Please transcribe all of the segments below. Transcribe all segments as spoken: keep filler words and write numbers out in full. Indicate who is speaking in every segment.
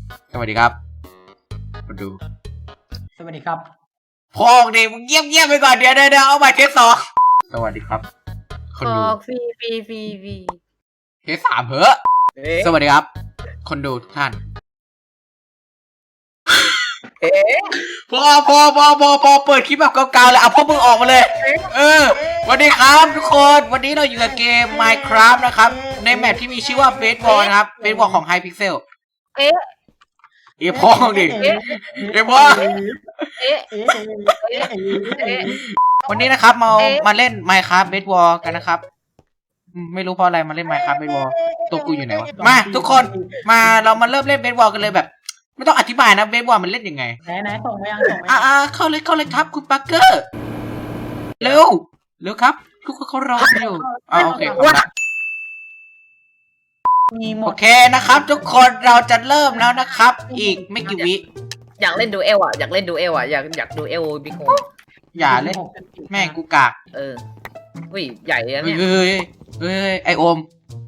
Speaker 1: สวัสดีครับมาดู
Speaker 2: สวัสดีครับ
Speaker 1: พอเด็กมึงเงียบเงียบไปก่อนเดี๋ยวเดี๋ยวเอาไปเทสสองสวัสดีครับคนดู
Speaker 3: ฟรีฟรีฟรีฟรี
Speaker 1: เทสสามเหอะสวัสดีครับคนดูทุกท่าน
Speaker 3: เอ๊ะ
Speaker 1: พอพอพอพอพอเปิดคลิปแบบเก่าๆเลยเอาพวกมึงออกมาเลยเออสวัสดีครับทุกคนวันนี้เราอยู่กับเกม Minecraft นะครับในแมปที่มีชื่อว่า Baseball นะครับ Baseball ของ Hypixel
Speaker 3: เอ๊ะ
Speaker 1: เอ๊ะพ่อดิเอ๊ะพ่อ
Speaker 3: เอ๊ะเอ๊ะเอ๊ะ
Speaker 1: วันนี้นะครับมามาเล่น Minecraft Baseball กันนะครับไม่รู้เพราะอะไรมาเล่น Minecraft Baseball ตัวกูอยู่ไหนวะมาทุกคนมาเรามาเริ่มเล่น Baseball กันเลยแบบไม่ต้องอธิบายนะเบสบอลมันเล่นยังไง
Speaker 2: ไหนไหนส่งไปยังส่งไป
Speaker 1: อ่าเข้าเลยเข้าเลยครับคุณปักเกอร์เร็วเร็วครับทุกคนเขารออยู่อ่าโอเคโอเคนะครับทุกคนเราจะเริ่มแล้วนะครับอีกไม่กี่วิ
Speaker 3: อยากเล่นดูเอลอ่ะอยากเล่นดูเอลอ่ะอยากอยากดูเอลบิ๊กโฮ
Speaker 1: อย่าเล่นแม่กูกาก
Speaker 3: เอออุ้ยใหญ่แล้วเนี่ย
Speaker 1: เฮ้ยเฮ้ยไอโอม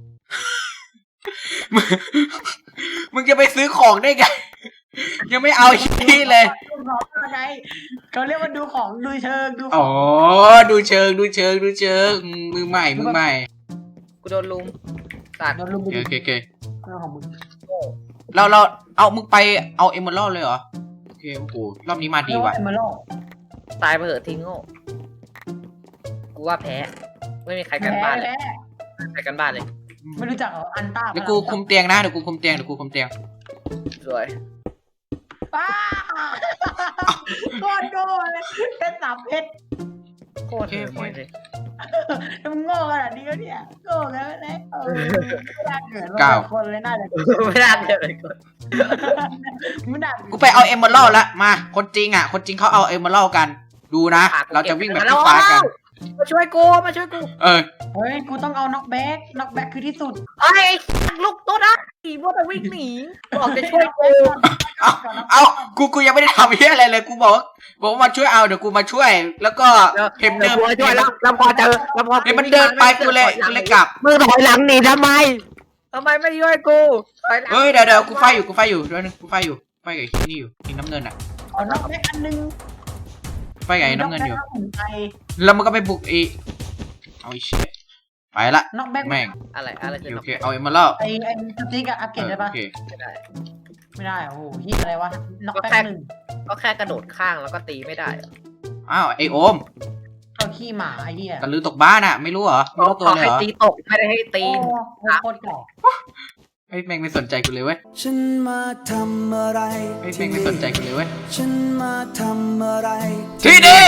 Speaker 1: มึงจะไปซื้อของได้ไงยังไม่เอาที่เลย
Speaker 2: เขาเรียกว่าดูของดูเชิงดู
Speaker 1: อ๋อดูเชิงดูเชิงดูเชิงมือใหม่มือใหม่
Speaker 3: กูโดนลุมตัด
Speaker 2: โดนลุม
Speaker 1: โอเคโอเค
Speaker 2: ของมึง
Speaker 1: เราเราเอามึงไปเอาเอมเมอรัลเลยเหรอโอเคโอ้โหรอบนี้มาดีว่ะ
Speaker 2: เอมเมอรัล
Speaker 3: ตายไปเถอะทิ้งโง่กูว่าแพ้ไม่มีใครกันบ้านเลยใครกันบ้านเลย
Speaker 2: ไม่รู้จักอันต้า
Speaker 1: เดี๋ยวกูคุมเตียงนะเดี๋ยวกูคุมเตียงเดี๋ยวกูคุมเตียง
Speaker 3: สวย
Speaker 2: ป้าโคตรโง่เลยเพชรสามเพชร
Speaker 3: โคตรโง่เลย
Speaker 2: มึงโง่ขนาดนี้เนี่ยโง่แล้วนะเออไม่ได้เกิดมาคนเลยน่าจะ
Speaker 3: ไม่ได้เกิดเลยคน
Speaker 2: ไม่ได้
Speaker 1: กูไปเอาเอมเมอรัลละมาคนจริงอ่ะคนจริงเขาเอาเอมเมอรัลกันดูนะเราจะวิ่งแบบที่ฟ้ากัน
Speaker 3: มาช่วยกูมาช่วยกู
Speaker 1: เออ
Speaker 2: เฮ้ยกูต้องเอาน็อกแบ็กน็อกแบ็กคือที่สุด
Speaker 3: ไอ้ลูกตัวนะขี่บอลวิ่งหนีบอกจะช่วยกู
Speaker 1: เอาเอากูกูยังไม่ได้ทำเหี้ยอะไรเลยกูบอกบอกว่ามาช่วยเอาเดี๋ยวกูมาช่วยแล้วก็เห็นเดิน
Speaker 3: ช่วยแล้วแล้วพอเจอแล้วพอ
Speaker 1: เห็นมันเดินไปกูเลยกูเลยกลับ
Speaker 3: มือถอยหลังหนีทำไมทำไมไม่ช่วยกู
Speaker 1: เฮ้ยเดี๋ยวเดี๋ยวกูไฟอยู่กูไฟอยู่เดี๋ยวนึงกูไฟอยู่ไฟกับที่นี่อยู่ที่น้ำเงินอ่ะ
Speaker 2: เอาน็อกแบ็กอันนึง
Speaker 1: ไฟกับน้ำเงินอยู่แล้วมันก็ไปบุกอีเอาอีเชี่ยไปละ
Speaker 2: น็อกแบ็ก
Speaker 1: แม่ง
Speaker 3: อะไรอะไร
Speaker 1: โอเคเอาเอ็มมาแล้ว
Speaker 2: ไอไอสติ๊กอะอัพเกรดได้ปะ
Speaker 3: ไม่ได้
Speaker 2: ไม่ได้โอ้โหยี่อะไรวะน็อกแบ็กหนึ่ง
Speaker 3: ก็แค่กระโดดข้างแล้วก็ตีไม่ได้
Speaker 1: อ้าวไอโอม
Speaker 2: เอาขี้หมาไอเหี้ย
Speaker 1: ตะลือตกบ้านอะไม่รู้เหรอไม่รู้ตัวเลยเหรอ
Speaker 3: ให้ตีตกไม่ได้ให้ตี
Speaker 2: โคตรเก่า
Speaker 1: ไอแม่งไม่สนใจกูเลยเว้ย
Speaker 4: ฉันมาทำอะไร
Speaker 1: ไอแม่งไม่สนใจกูเลยเว้ย
Speaker 4: ฉันมาทำอะไร
Speaker 1: ที่นี่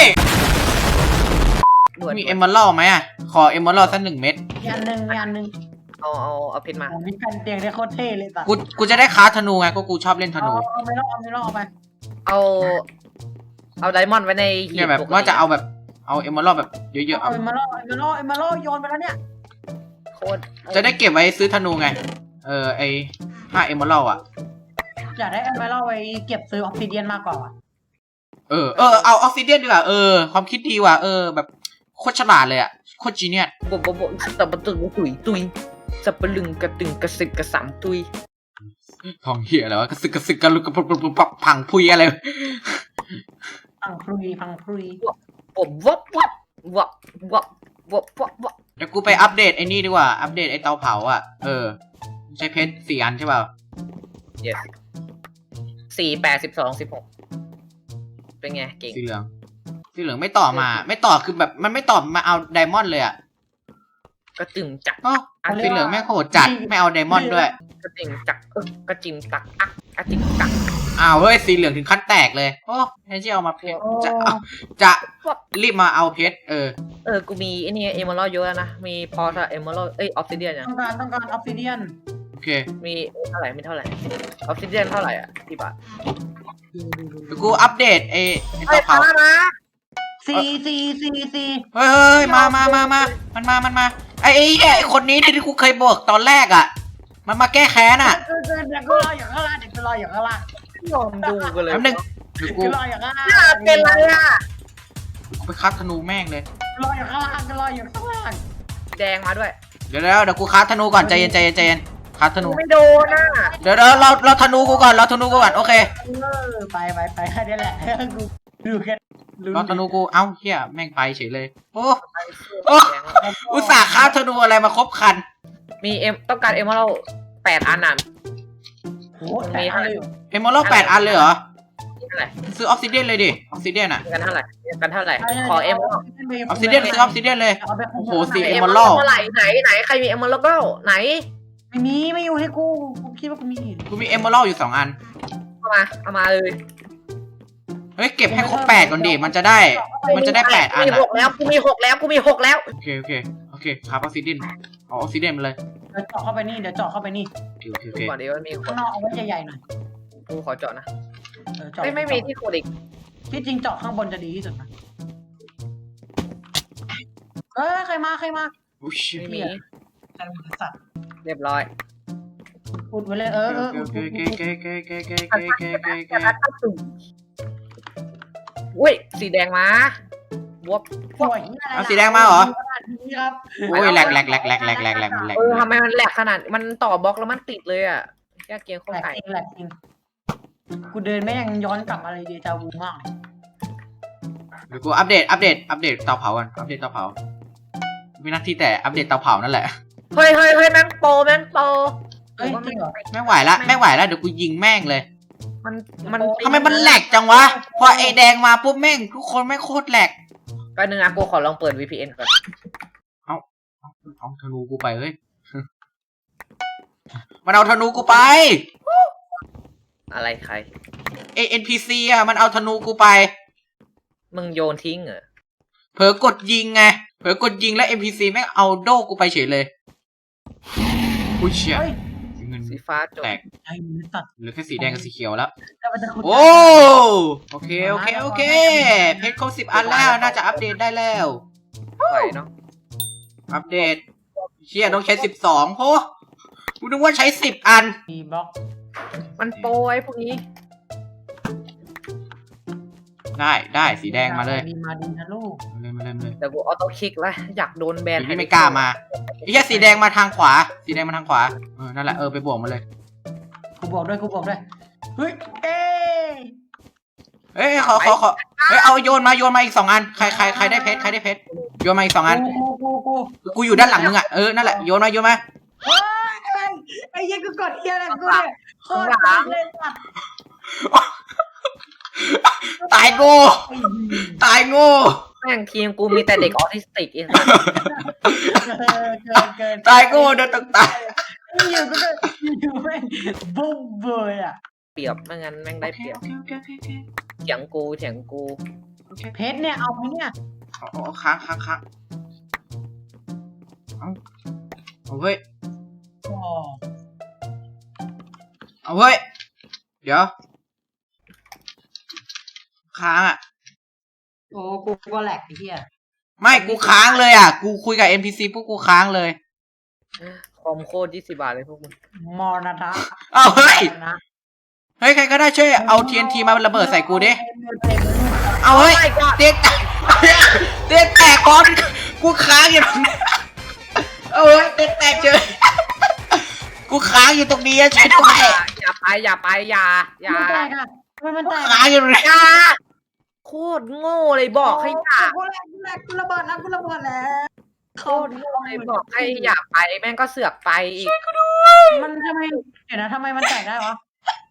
Speaker 1: มีเอมเมอรัลไหมอ่ะขอเอมเมอรัลสักหนึ่งเม็ด
Speaker 2: ยันหนึ่งยันหนึ่ง
Speaker 3: เอาเอาเอาเพชรมา
Speaker 2: มีแผ่นเตียงได้โคตรเท่เลยตัด
Speaker 1: กูกูจะได้ค้าธนูไงก็กูชอบเล่นธนู
Speaker 2: เอาไม่รอเอาไม่รอเอาไป
Speaker 3: เอาเอาไดมอนด์ไว้ใน
Speaker 1: เนี่ยแบบว่าจะเอาแบบเอาเอมเมอรัลแบบเยอะๆ
Speaker 2: เอาเอมเมอรัลเอมเมอรัลเอมเมอรัลโยนไปแล้วเนี่ย
Speaker 3: โคตร
Speaker 1: จะได้เก็บไว้ซื้อธนูไงเออไอห้าเอมเมอรัลอ่ะ
Speaker 2: อยากได้เอมเมอรัลไว้เก็บซื้อออฟซิเดียนมากกว่า
Speaker 1: เออเออเอาออฟซิเดียนดีกว่าเออความคิดดีว่ะเออแบบโคตรฉลาดเลยอ่ะโคตรจีเนียส
Speaker 3: บบบบบสับปะตึงตุยตุยสับปะลึงกระตึงกระสึกกระสัมตุย
Speaker 1: ทองเหี้ยอะไรวะกระสึกกระสึกกระลุกกระปุกกระปุกพังพุยอะไร
Speaker 2: พังพุยพังพุย
Speaker 3: บบวับวับวับวับวับวับวับ
Speaker 1: เดี๋ยวกูไปอัปเดตไอ้นี่ดีกว่าอัปเดตไอ้เตาเผาอ่ะเออใช้เพชรสี่อันใช่เปล่า
Speaker 3: yes สี่แปดสิบสองสิบหกเป็นไงเก่ง
Speaker 1: สีเหลืองสีเหลืองไม่ต่อมาไม่ต่อคือแบบมันไม่ต่อมาเอาไดมอนด์เลยอ่ะ
Speaker 3: กระจึงจัก
Speaker 1: อ๋อสีเหลืองแม่งโหดจัดไม่เอาไดมอนด์ด้วย
Speaker 3: กระจึงจักเออกระจิมตักอ่ะกระจิมตัก
Speaker 1: อ้าวเฮ้ยสีเหลืองถึงขั้นแตกเลยโอ้แทนที่เอามาเพชรจะเอาจะรีบมาเอาเพชรเออ
Speaker 3: เออกูมีไอ้นี่เอมเมอรัลเยอะนะมีพอถ้าเอมเมอรัลเอ้ยออฟซิเดียน
Speaker 2: ต้องการต้องการออฟซิเดียน
Speaker 1: โอเค
Speaker 3: มีเท่าไหร่มีเท่าไหร่ออฟซิเดียนเท่าไหร่อ่ะที่บาท
Speaker 1: กูอัปเดตไอ้เตาเผา
Speaker 2: สี่สี่สี่สี่
Speaker 1: เฮ้ยมามามามามันมามันมาไอ้ไอ้คนนี้ที่กูเคยบอกตอนแรกอ่ะมันมาแก้แค้นอ่ะ
Speaker 2: เดี๋ยวกูรออยู่ข้างล่างเดี๋ยวกูรออยู่ข้างล่าง
Speaker 3: ยอมดูกันเลย
Speaker 1: แป๊บนึง
Speaker 2: เดี๋ยวกูรออยู่ข้างล่าง
Speaker 3: เป็นไรอ่ะ
Speaker 1: กูไปคัดธนูแม่งเลย
Speaker 2: รออยู่ข้างล่างกูรออยู่ข้างล่าง
Speaker 3: แดงมาด้วย
Speaker 1: เดี๋ยวแล้วเดี๋ยวกูคัดธนูก่อนใจเย็นใจเย็นใจเย็นคราฟธนู
Speaker 3: ไม่โดนอ่ะ
Speaker 1: เดี๋ยวเราเราเราธนูกูก่อนเราธนูกูก่อนโอเค
Speaker 2: เออไปไปไปแค่นี้แหละดูดูแค่ลุ้น
Speaker 1: เราธนูกูเอ้าเฮียแม่งไปเฉยเลยโอ้
Speaker 3: ไปสู้
Speaker 1: โอ้อุตส่าห์คราฟธนูอะไรมาครบคัน
Speaker 3: มีเอ็มต้องการเอ็มเราแปดอันน่ะ
Speaker 2: โอ้แต่อะไรอยู่
Speaker 1: เอมเมอรัลแปดอันเลยเหรอ
Speaker 3: นี่เท่าไหร่
Speaker 1: ซื้อออฟซิเดียนเลยดิออฟซิเดียนอะ
Speaker 3: กันเท่าไหร่กันเท่าไหร่ขอเอ็ม
Speaker 1: ออฟซิเดียนซื้อออฟซิเดียนเลย โอ้โหสี่
Speaker 3: เอ็ม
Speaker 1: Emerald
Speaker 3: เท่าไหร่ไหนไหนใครมีเอ็มเล่าไหน
Speaker 2: ไม่มีไม่อยู่ให้กูกูคิดว่ากูมี
Speaker 1: กูมีเอมเมอรัลอยู่สองอัน
Speaker 3: เอามาเอามาเลย
Speaker 1: เฮ้ยเก็บให้ครบแปดก่อนดิมันจะได้ มันจะได้แปดอัน
Speaker 3: มี
Speaker 1: อะ
Speaker 3: หกแล้วกูมีหกแล้วกูมีหกแล้ว
Speaker 1: โอเคโอเคโอเคครับออฟซิเดียนเอาออฟซิเดียนมาเลย
Speaker 2: เดี๋ยวเจาะเข้าไปนี่เดี๋ยวเจาะเข้าไปนี่
Speaker 1: โอเคโอเคโอ
Speaker 3: ดู
Speaker 1: เค
Speaker 3: ก่อนดีว่ามีค
Speaker 2: ข้าน งนอกเอาไว้ใหญ่ๆหน่อย
Speaker 3: กูขอเจาะนะ
Speaker 2: เออเจาะ
Speaker 3: ไม่ไม่มีที่ขุดอีก
Speaker 2: ที่จริงเจาะข้างบนจะดีที่สุดนะเออใครมาใครมา
Speaker 1: โอ้ย
Speaker 3: ไม่มี
Speaker 2: ใครมาสัตว์
Speaker 3: เรียบร้อย
Speaker 2: อุดไว้เลยเออเออ
Speaker 1: โอ
Speaker 2: อุด
Speaker 1: เค
Speaker 2: อุด
Speaker 1: โอเค
Speaker 2: อุด
Speaker 1: โอเคโอเคโอเคโอเคโอเคโอเคโอเค
Speaker 3: อุ้ยสีแดงมาบวบ
Speaker 2: สวยอะไร
Speaker 1: เอาสีแดงมาเหรอ
Speaker 2: นี่ครับ
Speaker 1: โอ้ยแหลกแหลกแหลกแหลกแหลกแหลกแหลกแหลก
Speaker 3: เออทำไมมันแหลกขนาดมันต่อบล็อกแล้วมันติดเลยอ่ะแค่เกมโคต
Speaker 2: แหล
Speaker 3: ร
Speaker 2: ก
Speaker 3: ไก่
Speaker 2: จริงแหลกจริงกูเดินไม่ยังย้อนกลับมาเลยเดจาวูมากเลย
Speaker 1: เดี๋ยวกูอัปเดตอัปเดตอัปเดตเตาเผากันอัปเดตเตาเผาไม่หน้าที่แต่อัปเดตเตาเผานั่นแหละ
Speaker 3: เฮ้ยเฮ้ยเฮ้ยแม่งโปรแม่งโปร
Speaker 2: เฮ้ยจริงเหรอ
Speaker 1: ไม่ไหวละไม่ไหวละเดี๋ยวกูยิงแม่งเลย
Speaker 3: มันมัน
Speaker 1: ทำไมมันแหลกจังวะพอไอแดงมาปุ๊บแม่งทุกคนแม่งโคตรแหลก
Speaker 3: แป๊บนึงนะกูขอลองเปิด วี พี เอ็น ก่อน
Speaker 1: เอาธนูกูไปเฮ้ย มันเอาธนูกูไป
Speaker 3: อะไรใคร
Speaker 1: เอ เอ็น พี ซี อ่ะมันเอาธนูกูไป
Speaker 3: มึงโยนทิ้งเหรอ
Speaker 1: เผลอกดยิงไงเผลอกดยิงแล้ว เอ็น พี ซี แม่งเอาโดกูไปเฉยเลยอุ้ยเชี่ย
Speaker 2: เฮ้ย
Speaker 1: เงิน
Speaker 3: สีฟ้าจบ
Speaker 1: แตก
Speaker 2: ไอ้มือตัด
Speaker 1: เหลือแค่สีแดงกับสีเขียวแล้ว
Speaker 2: แล้วมันจะขุด
Speaker 1: โอ้โอเคโอเคโอเคเพชรครบสิบอันแล้วน่าจะอัปเดตได้แล้ว
Speaker 3: ไหวเนาะ
Speaker 1: อัปเดตเชี่ยต้องใช้สิบสองโหกูนึกว่าใช้สิบอัน
Speaker 2: มีบล็อก
Speaker 3: มันโปรไอ้พวกนี้
Speaker 1: ได้ได้สีแดงมาเลย
Speaker 2: ดีมาดีนะลูก
Speaker 1: มาเลยมาเลยมาเลย
Speaker 3: แต่กูออโต้คลิกแล้วอยากโดนแบน
Speaker 1: เดี๋ยวนี้ไม่กล้ามาไอ้เหี้ยสีแดงมาทางขวา สีแดงมาทางขวาเออนั่นแหละเออไปบวกมาเลย
Speaker 2: กูบอกด้วยกูบอกด้วยเฮ้ยเอ้ย
Speaker 1: เอ้ยขอขอขอเฮ้ยเอาโยนมาโยนมาอีกสองอันใครใครใครได้เพชรใครได้เพชรโยนมาอีกสองอัน
Speaker 2: กูกูกูกู
Speaker 1: กูอยู่ด้านหลังมึงอ่ะเออนั่นแหละโยนมาโยนมา
Speaker 2: เฮ้ยอะไรไอ้เหี้ยังกูกดเฮียอะไรกูเนี่ยโคตรปังเลยสัตว์
Speaker 1: ตายโง่ตายโง่
Speaker 3: แม่งทีมกูมีแต่เด็กออทิสติกเอง
Speaker 2: เกินเกินเกิน
Speaker 1: ตายโง่เดินตกตาย
Speaker 2: อยู่ก็อยู่แม่งบุ้มเบยอ่ะ
Speaker 3: เปรียบไม่งั้นแม่งได้เปรียบ
Speaker 1: โอเคโอเคโอเคโอเค
Speaker 3: เถียงกูเถียงกู
Speaker 1: โอเค
Speaker 2: เพชรเนี่ยเอาไหมเนี่ย
Speaker 1: เอาเอาเอาค้างค้างค้างเอาเอาเว้ย
Speaker 2: อ๋อ
Speaker 1: เอาเว้ยเดี๋ยวค้างอ่ะ
Speaker 2: โอ้กูก็แหลกไอ้เหี้ย
Speaker 1: ไม่กูค้างเลยอ่ะกูคุยกับ เอ็น พี ซี ปุ๊บกูค้างเลย
Speaker 3: คอมโคตรยี่สิบบาทเลยพวกมึง
Speaker 2: มอนะทะ
Speaker 1: เอาเฮ้ย
Speaker 2: นะ
Speaker 1: เฮ้ยใครก็ได้ช่วยเอา ที เอ็น ที มาระเบิดใส่กูดิเอาเฮ้ยเตียงแตกเตียงแตกก่อนกูค้างอยู่ตรงนี้เอาเฮ้ยเตียงแตกเฉยกูค้างอยู่ตรงนี้อะช่วยด้วย
Speaker 3: อย่าไปอย่าไปอย่าอย่า
Speaker 2: มันแตกอ่ะทำไมมันแตก
Speaker 1: ค้างอยู่ตรงนี้
Speaker 3: อย่าโคตรโง่เลยบอกให้อย่า
Speaker 2: กูแหลกกูแหลกกูระเบิดแล้วกูระเบิดแล้ว
Speaker 3: โคตรโง่เลยบอกให้อย่าไปแม่งก็เสือกไปอีก
Speaker 2: มันทำไมเดี๋ยวนะทำไมมันแตกได้วะ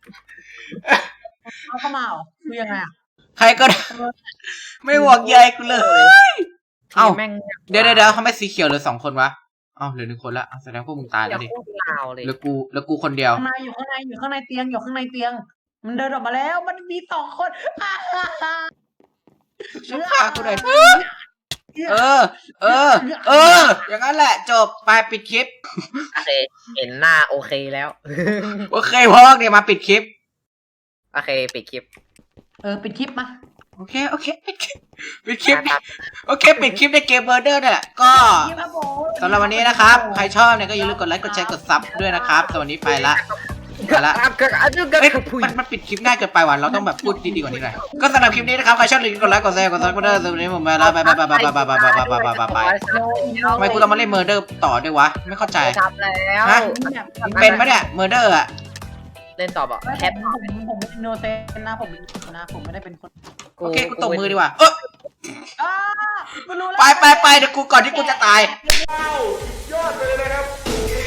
Speaker 2: เขาเข้ามาเหรอคือยังไงอ่ะ
Speaker 1: ใครก็ได้ไม่หวงใยกูเลย เอ้า
Speaker 3: ทีแม่ง
Speaker 1: เดี๋ยวเดี๋ยวเดี๋ยวทำไมสีเขียวเหลือสองคนวะเอ้าเหลือหนึ่งคนละอ้าวแสดงพวกมึงตาย
Speaker 3: อ
Speaker 1: แล้
Speaker 3: ย่าว
Speaker 1: ดิ
Speaker 3: พูดลาวเลย
Speaker 1: เหลือกูเหลือกูคนเดียว
Speaker 2: ข้างในอยู่ข้างในอยู่ข้างในเตียงอยู่ข้างในเตียง มันเดินออกมาแล้วมันมีสองคนอ่าฮ่าฮ่า
Speaker 1: ช่วยฆ่ากูหน่อยเออ เออ เออ อย่างนั้นแหละจบไปปิดคลิป
Speaker 3: โอเคเห็นหน้าโอเคแล้ว
Speaker 1: โอเคพอเนี่ยมาปิดคลิป
Speaker 3: โอเคปิดคลิป
Speaker 2: เออปิดคลิปมา
Speaker 1: โอเคโอเคปิดคลิปปิดคลิปโอเคปิดคลิปในเกมเบอร์เดอร์นี่นแหละก็
Speaker 2: คลิปครับผม
Speaker 1: สำหรับวันนี้นะครับ ใครชอบเนี่ยก็อย่าลืมกดไลค์กดแชร์กดซับด้วยนะครับสำหรับวันนี้ไปละเอาละ
Speaker 3: อันนี้ก็
Speaker 1: เอ้ย
Speaker 3: คุย
Speaker 1: มันมันปิดคลิปง่ายเกินไปว่ะเราต้องแบบพูดดีๆกว่านี้หน่อยก็สำหรับคลิปนี้นะครับใครชอบอย่าลืมกดไลค์กดแชร์กดซับสไครต์สำหรับวันนี้ผมไปแล้วไปไปไปไปไปไปไปไปไปไปไปทำไมกูต้องมาเล่นเมอร์เดอร์ต่อด้วยวะไม่เข้าใจ
Speaker 3: ทำแล้ว
Speaker 1: ฮะ เป็นปะเนี่ยเมอร์เดอร์อะ
Speaker 3: เล่นต่อบอก
Speaker 2: แค
Speaker 3: แค
Speaker 2: ป
Speaker 3: ป
Speaker 2: ผมผมไม่โนเซนนะผมนะผมไม่ได้เป็นคน
Speaker 1: โอเคกูตบมือดีกว่าเออ
Speaker 2: อ้ากูรู้แล้ว
Speaker 1: ไปไปไปเดี๋ยวกูก่อนที่กูจะตาย
Speaker 5: ยอดไปเลยนะครับ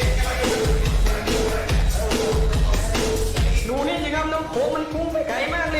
Speaker 5: หนูนี่สิครับน้ำโขงมันพุ่งไปไกลมาก